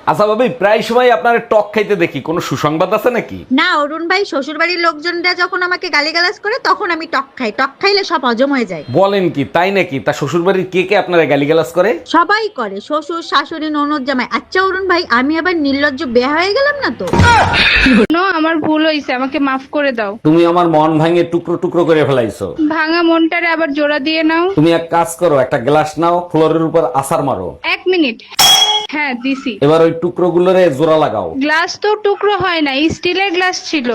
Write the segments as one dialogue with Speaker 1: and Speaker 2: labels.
Speaker 1: আচ্ছা ভাবি, প্রায় সময় আপনার টক খাইতে দেখি, কোনো সুসংবাদ আছে নাকি?
Speaker 2: না অরুণ ভাই, শ্বশুর বাড়ির লোকজনরা যখন আমাকে গালিগালাজ করে তখন আমি টক খাই। টক খাইলে সব হজম হয়ে যায়।
Speaker 1: বলেন কি, তাই নাকি? তা শ্বশুর বাড়ির কে কে আপনারা গালিগালাজ করে?
Speaker 2: সবাই করে, শ্বশুর শাশুড়ি ননদ জামাই। আচ্ছা অরুণ ভাই, আমি আবার নির্লজ্জ বেয়া হয়ে গেলাম না তো?
Speaker 3: আমার ভুল হয়েছে, আমাকে মাফ করে দাও।
Speaker 1: তুমি আমার মন ভাঙে টুকরো টুকরো করে ফেলাইছো।
Speaker 3: ভাঙা মনটারে আবার জোড়া দিয়ে নাও।
Speaker 1: তুমি এক কাজ করো, একটা গ্লাস নাও, ফ্লোরের উপর আছাড় মারো।
Speaker 3: 1 মিনিট। হ্যাঁ দিছি।
Speaker 1: এবার ওই টুকরো গুলোরে জোড়া লাগাও।
Speaker 3: গ্লাস তো টুকরো হয় না, স্টিলের গ্লাস ছিল।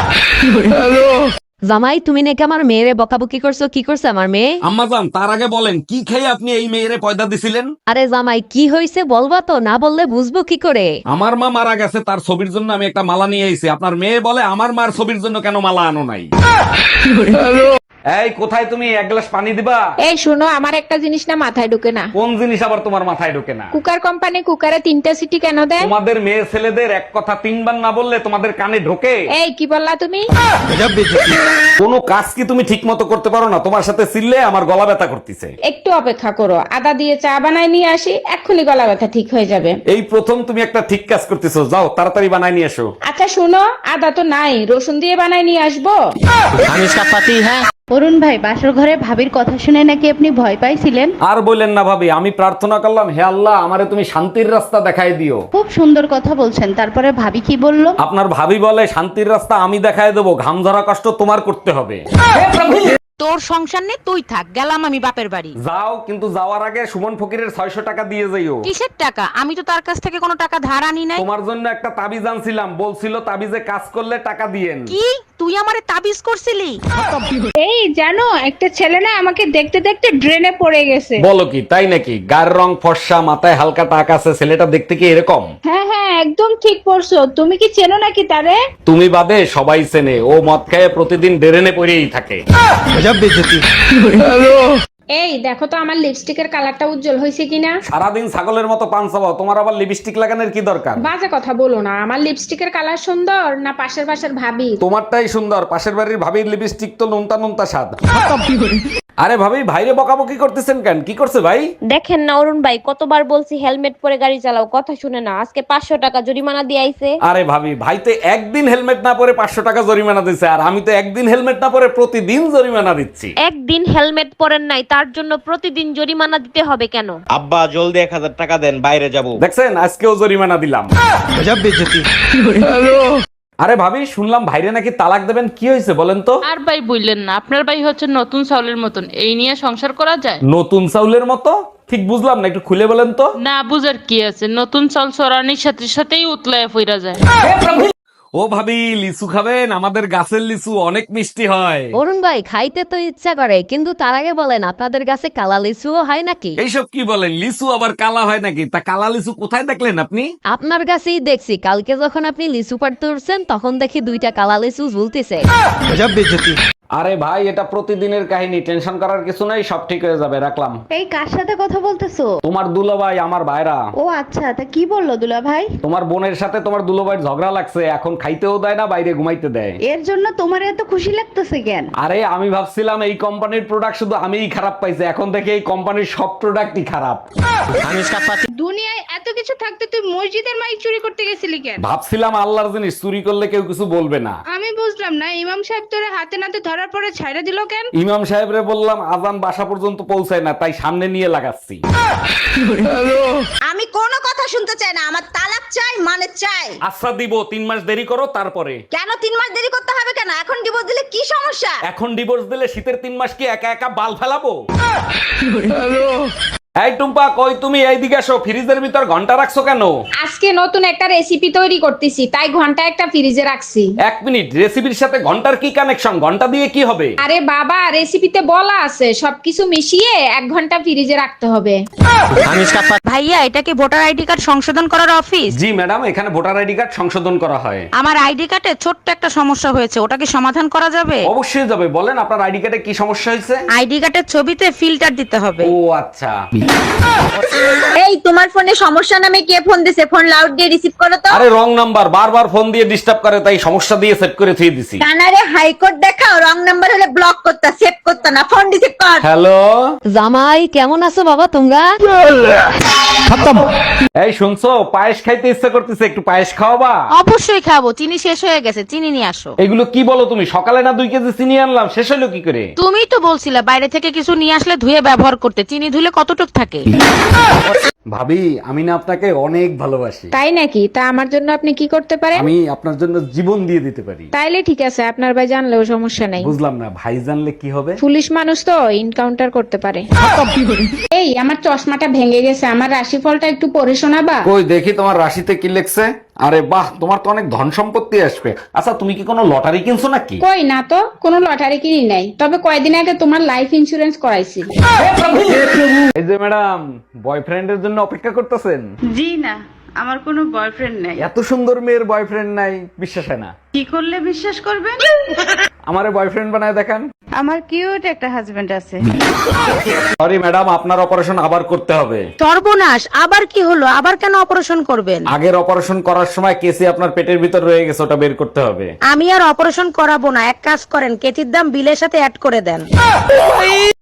Speaker 4: জামাই, তুমি নাকি আমার মেয়েরে বকাবকি করছো? কি করছে আমার মেয়ে?
Speaker 1: আম্মাজান, তার আগে বলেন কি খেয়ে আপনি এই মেয়েরে পয়দা দিছিলেন?
Speaker 4: আরে জামাই, কি হয়েছে বলবা তো, না বললে বুঝবো কি করে?
Speaker 1: আমার মা মারা গেছে, তার ছবির জন্য আমি একটা মালা নিয়ে এসেছি। আপনার মেয়ে বলে আমার মার ছবির জন্য কেন মালা আনো নাই? এই কোথায় তুমি? এক গ্লাস পানি দিবা।
Speaker 5: এই শোনো, আমার একটা জিনিস না মাথায় ঢুকে না।
Speaker 1: কোন জিনিস আবার তোমার মাথায় ঢোকে না?
Speaker 5: কুকার কোম্পানি কুকারে 3টা সিটি কেন দেয়?
Speaker 1: তোমাদের মেয়ে ছেলেদের এক কথা 3 বার না বললে তোমাদের কানে ঢোকে?
Speaker 5: এই কি বললা তুমি?
Speaker 1: কোনো কাজ কি তুমি ঠিক মতো করতে পারো না? তোমার সাথে চিল্লে আমার গলা ব্যথা করতেছে।
Speaker 5: একটু অপেক্ষা করো, আদা দিয়ে চা বানায় নিয়ে আসি, এক্ষুনি গলা ব্যথা ঠিক হয়ে যাবে।
Speaker 1: এই প্রথম তুমি একটা ঠিক কাজ করতেছো, যাও তাড়াতাড়ি বানাই নিয়ে এসো।
Speaker 5: আচ্ছা শোনো, আদা তো নাই, রসুন দিয়ে বানায় নিয়ে আসবো।
Speaker 6: অরুণ ভাই, বাসর ঘরে ভাবির কথা শুনে নাকি আপনি ভয় পাইছিলেন?
Speaker 1: আর বললেন না ভাবি, আমি প্রার্থনা করলাম, হে আল্লাহ আমারে তুমি শান্তির রাস্তা দেখাই দিও।
Speaker 6: খুব সুন্দর কথা বলছেন, তারপরে ভাবি কি বলল?
Speaker 1: আপনার ভাবি বলে শান্তির রাস্তা আমি দেখাই দেবো, ঘাম ঝরা কষ্ট তোমার করতে হবে।
Speaker 7: তোর সংসার নেই, তুই থাক, গেলাম আমি বাপের বাড়ি।
Speaker 1: যাও, কিন্তু যাওয়ার আগে সুমন ফকিরের 600 টাকা দিয়ে যাইও।
Speaker 7: কিসের টাকা? আমি তো তার কাছ থেকে কোনো টাকা ধার আনি নাই।
Speaker 1: তোমার জন্য একটা তাবিজ আনছিলাম, বলছিল তাবিজে কাজ করলে টাকা দিয়েন।
Speaker 7: কি তুই আমারে তাবিজ করছিলি?
Speaker 3: এই জানো, একটা ছেলে না আমাকে দেখতে দেখতে ড্রেনে পড়ে গেছে।
Speaker 1: বলো কি, তাই নাকি? গায়ের রং ফর্সা, মাথায় হালকা টাক আছে, ছেলেটা দেখতে কি এরকম?
Speaker 3: হ্যাঁ হ্যাঁ, একদম ঠিক পড়ছো। তুমি কি চেনো নাকি তারে?
Speaker 1: তুমি বাদে সবাই চেনে, ও মদ খেয়ে প্রতিদিন ডেরেনে পড়েই থাকে।
Speaker 5: এই দেখো তো আমার লিপস্টিকের কালারটা উজ্জ্বল হয়েছে কিনা।
Speaker 1: সারাদিন ছাগলের মতো পান চাবাও, তোমার আবার লিপস্টিক লাগানোর কি দরকার?
Speaker 5: বাজে কথা বলো না, আমার লিপস্টিকের কালার সুন্দর না পাশের বাসার ভাবি?
Speaker 1: তোমারটাই সুন্দর, পাশের বাড়ির ভাবির লিপস্টিক তো নুনতা নুনতা স্বাদ। আরে ভাবি, ভাইরে বকাবকি করতেছেন কেন? কি করছে ভাই?
Speaker 8: দেখেন না অরুণ ভাই, কতবার বলছি হেলমেট পরে গাড়ি চালাও, কথা শুনে না। আজকে 500 টাকা জরিমানা দিয়ে আইছে।
Speaker 1: আরে ভাবি, ভাই তো একদিন হেলমেট না পরে 500 টাকা জরিমানা দিচ্ছে, আর আমি তো একদিন হেলমেট না পরে প্রতিদিন জরিমানা দিচ্ছি।
Speaker 8: একদিন হেলমেট পরেন নাই, তার জন্য প্রতিদিন জরিমানা দিতে হবে কেন?
Speaker 9: আব্বা জলদি 1000 টাকা দেন, বাইরে যাবো।
Speaker 1: দেখছেন, আজকেও জরিমানা দিলাম। আরে ভাবি, শুনলাম ভাইরে নাকি তালাক দেবেন, কি হয়েছে বলেন তো?
Speaker 10: আর ভাই বললেন না, আপনার ভাই হচ্ছে নতুন চাউলের মতন, এই নিয়ে সংসার করা যায়?
Speaker 1: নতুন চাউলের মতো? ঠিক বুঝলাম না, একটু খুলে বলেন তো।
Speaker 10: না বুঝার কি আছে, নতুন চাল চড়ানির সাথে সাথেই উতলায় ফিরা যায়।
Speaker 1: ও ভাবি, লিচু খাবেন? আমাদের গাছের লিচু অনেক মিষ্টি হয়।
Speaker 4: অরুণ ভাই, খাইতে তো ইচ্ছা করে, কিন্তু তার আগে বলেন আপনাদের কাছে কালা লিচুও হয় নাকি?
Speaker 1: এইসব কি বলেন? লিচু আবার কালা হয় নাকি? তা কালা লিচু কোথায় দেখলেন আপনি?
Speaker 4: আপনার কাছেই দেখছি, কালকে যখন আপনি লিচু পাড়তে উঠছেন তখন দেখি 2টা কালা লিচু ঝুলতেছে।
Speaker 1: আরে ভাই, এটা প্রতিদিনের কাহিনী, টেনশন করার কিছু নাই, সব ঠিক হয়ে যাবে, রাখলাম।
Speaker 6: এই কার সাথে কথা বলতেছো?
Speaker 1: তোমার দুলাভাই, আমার ভাইরা।
Speaker 6: ও আচ্ছা, তা কি বললো দুলা ভাই?
Speaker 1: তোমার বোনের সাথে তোমার দুলাভাইয়ের ঝগড়া লাগছে, এখন খাইতেও দেয় না, বাইরে ঘুমাইতে দেয়।
Speaker 6: এর জন্য তোমার এত খুশি লাগতেছে কেন?
Speaker 1: আরে আমি ভাবছিলাম এই কোম্পানির প্রোডাক্ট শুধু আমিই খারাপ পাইছি, এখন দেখি এই কোম্পানির সব প্রোডাক্টই খারাপ।
Speaker 3: দুনিয়ায় এত কিছু থাকতে তুই মসজিদের মাইক চুরি করতে গেছিলি কেন?
Speaker 1: ভাবছিলাম আল্লাহর জিনিস চুরি করলে কেউ কিছু বলবে না।
Speaker 3: আমি বুঝলাম না, ইমাম সাহেব তোরে হাতে নাতে ধরার পরে ছাইড়া দিল কেন?
Speaker 1: ইমাম সাহেবরে বললাম আজান বাসা পর্যন্ত পৌঁছায় না, তাই সামনে নিয়ে লাগাচ্ছি।
Speaker 2: আমি কোনো কথা শুনতে চাই না, আমার তালাক চাই, মানে চাই।
Speaker 1: আচ্ছা দিব, 3 মাস দেরি করো তারপরে।
Speaker 2: কেন 3 মাস দেরি করতে হবে কেন? এখন ডিভোর্স দিলে কি সমস্যা?
Speaker 1: এখন ডিভোর্স দিলে শীতের 3 মাস কি একা একা বাল ফেলাবো? এই টুম্পা, কই তুমি? এইদিকে আসো, ফ্রিজের ভিতর ঘন্টা রাখছো কেন?
Speaker 5: আজকে নতুন একটা রেসিপি তৈরি করতেছি, তাই ঘন্টা একটা ফ্রিজে রাখছি।
Speaker 1: 1 মিনিট, রেসিপির সাথে ঘন্টার কি কানেকশন? ঘন্টা দিয়ে কি হবে?
Speaker 5: আরে বাবা, রেসিপিতে বলা আছে সবকিছু মিশিয়ে 1 ঘন্টা ফ্রিজে রাখতে হবে।
Speaker 7: ভাইয়া, এটা কি ভোটার আইডি কার্ড সংশোধন করার অফিস?
Speaker 1: জি ম্যাডাম, এখানে ভোটার আইডি কার্ড সংশোধন করা হয়।
Speaker 7: আমার আইডি কার্ডে ছোট্ট একটা সমস্যা হয়েছে, ওটা কি সমাধান করা যাবে?
Speaker 1: অবশ্যই যাবে, বলেন আপনার আইডি কার্ডে কি সমস্যা হয়েছে?
Speaker 7: আইডি কার্ডের ছবিতে ফিল্টার দিতে হবে।
Speaker 1: ও আচ্ছা।
Speaker 2: এই তোমার ফোনে সমস্যা নামে কে ফোন দিছে? ফোন লাউড দিয়ে রিসিভ করো তো।
Speaker 1: আরে রং নাম্বার, বারবার ফোন দিয়ে ডিস্টার্ব করে, তাই সমস্যা দিয়ে সেট করে থুয়ে দিছি।
Speaker 2: কানারে হাইকোর্ট দেখাও, রং নাম্বার হলে ব্লক করতা, সেভ করতা না, ফোন রিসিভ কর।
Speaker 1: হ্যালো
Speaker 4: জামাই কেমন আছো বাবা তোমরা?
Speaker 1: এই শুনছো, পায়েস খাইতে ইচ্ছা করতেছে, একটু পায়েস খাওয়াবা?
Speaker 7: অবশ্যই খাবো, চিনি শেষ হয়ে গেছে, চিনি নিয়ে আসো।
Speaker 1: এগুলো কি বলো তুমি? সকালে না 2 কেজি চিনি আনলাম, শেষ হলো কি করে?
Speaker 7: তুমিই তো বলছিলে বাইরে থেকে কিছু নিয়ে আসলে ধুয়ে ব্যবহার করতে, চিনি ধুলে কতটুক থাকে।
Speaker 1: ভাবি, আমি না আপনাকে অনেক ভালোবাসি।
Speaker 5: তাই নাকি? তা আমার জন্য আপনি কি করতে পারেন?
Speaker 1: আমি আপনার জন্য জীবন দিয়ে দিতে পারি।
Speaker 5: তাইলে ঠিক আছে, আপনার ভাই জানলেও সমস্যা নাই।
Speaker 1: বুঝলাম না, ভাই জানলে কি হবে?
Speaker 5: পুলিশ মানুষ তো এনকাউন্টার করতে পারে। এই আমার চশমাটা ভেঙে গেছে, আমার রাশিফলটা একটু পড়ে শোনাবা?
Speaker 1: কই দেখি তোমার রাশিতে কি লেখছে। আরে বাহ, তোমার তো অনেক ধন সম্পত্তি আসবে। আচ্ছা, তুমি কি কোনো লটারি কিনছো নাকি?
Speaker 5: কই না তো, কোনো লটারি কিনি নাই, তবে কয়দিন আগে তোমার লাইফ ইন্সুরেন্স করাইছি।
Speaker 1: এই যে ম্যাডাম, বয়ফ্রেন্ডের জন্য অপেক্ষা করতেছেন?
Speaker 10: জি না, আমার কোনো বয়ফ্রেন্ড নেই।
Speaker 1: এত সুন্দর মেয়ের বয়ফ্রেন্ড নাই, বিশ্বাস হয় না।
Speaker 10: কি করলে বিশ্বাস করবেন?
Speaker 1: আমারে বয়ফ্রেন্ড বানায় দেখান।
Speaker 10: আমার কিউট একটা হাজবেন্ড আছে।
Speaker 1: সরি ম্যাডাম, আপনার অপারেশন আবার করতে হবে।
Speaker 7: সর্বনাশ, আবার কি হলো? আবার কেন অপারেশন করবেন?
Speaker 1: আগের অপারেশন করার সময় কেসি আপনার পেটের ভিতর রয়ে গেছে, ওটা বের করতে হবে।
Speaker 7: আমি আর অপারেশন করাবো না, এক কাজ করেন, কেতির দাম বিলের সাথে অ্যাড করে দেন।